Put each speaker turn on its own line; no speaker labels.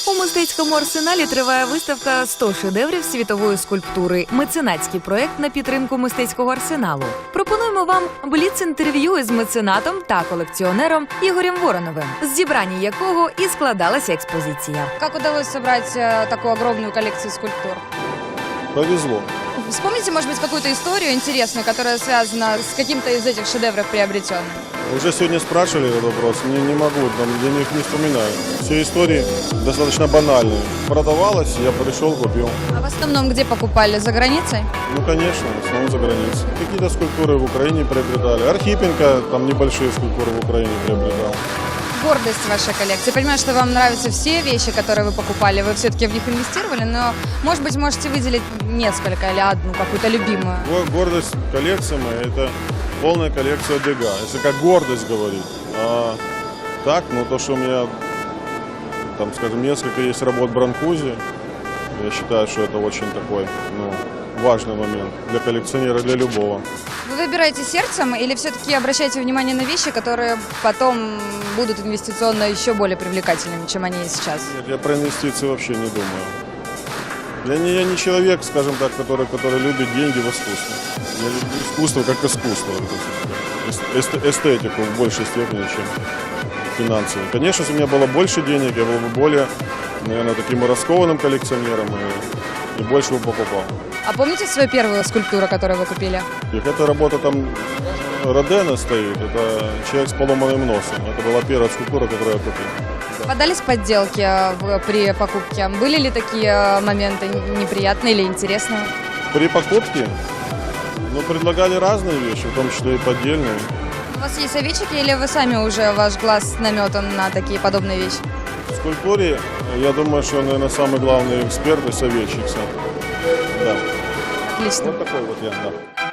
У мистецькому арсеналі триває виставка «100 шедеврів світової скульптури» – меценатський проєкт на підтримку мистецького арсеналу. Пропонуємо вам бліц-інтерв'ю із меценатом та колекціонером Ігорем Вороновим, з зібрання якого і складалася експозиція.
Как удалось собрать такую огромную коллекцию скульптур?
Повезло.
Вспомните, может быть, какую-то историю интересную, которая связана с каким-то из этих шедевров приобретенным.
Уже сегодня спрашивали этот вопрос, не могу, я них не вспоминаю. Все истории достаточно банальные. Продавалось, я пришел, купил.
А в основном где покупали? За границей?
Ну, конечно, в основном за границей. Какие-то скульптуры в Украине приобретали. Архипенко, там небольшие скульптуры в Украине приобретал.
Гордость вашей коллекции. Я понимаю, что вам нравятся все вещи, которые вы покупали, вы все-таки в них инвестировали, но, может быть, можете выделить несколько или одну, какую-то любимую.
Гордость коллекции моей – это полная коллекция Дега, если как гордость говорить. А так, ну то, что у меня, там, скажем, несколько есть работ Бранкузи, я считаю, что это очень такой, важный момент для коллекционера, для любого.
Вы выбираете сердцем или все-таки обращаете внимание на вещи, которые потом будут инвестиционно еще более привлекательными, чем они сейчас?
Нет, я про инвестиции вообще не думаю. Я не человек, скажем так, который любит деньги в искусстве. Я люблю искусство как искусство. Эстетику в большей степени, чем финансовую. Конечно, если у меня было больше денег, я был бы более, наверное, таким раскованным коллекционером и больше бы покупал.
А помните свою первую скульптуру, которую вы купили?
Эта работа там Родена стоит, это человек с поломанным носом. Это была первая скульптура, которую я купил.
Попадались подделки при покупке? Были ли такие моменты неприятные или интересные?
При покупке предлагали разные вещи, в том числе и поддельные.
У вас есть советчики или вы сами уже, ваш глаз наметан на такие подобные вещи?
В скульптуре, я думаю, что, наверное, самый главный эксперт и советчик сам. Да.
Отлично.
Вот такой вот я, да.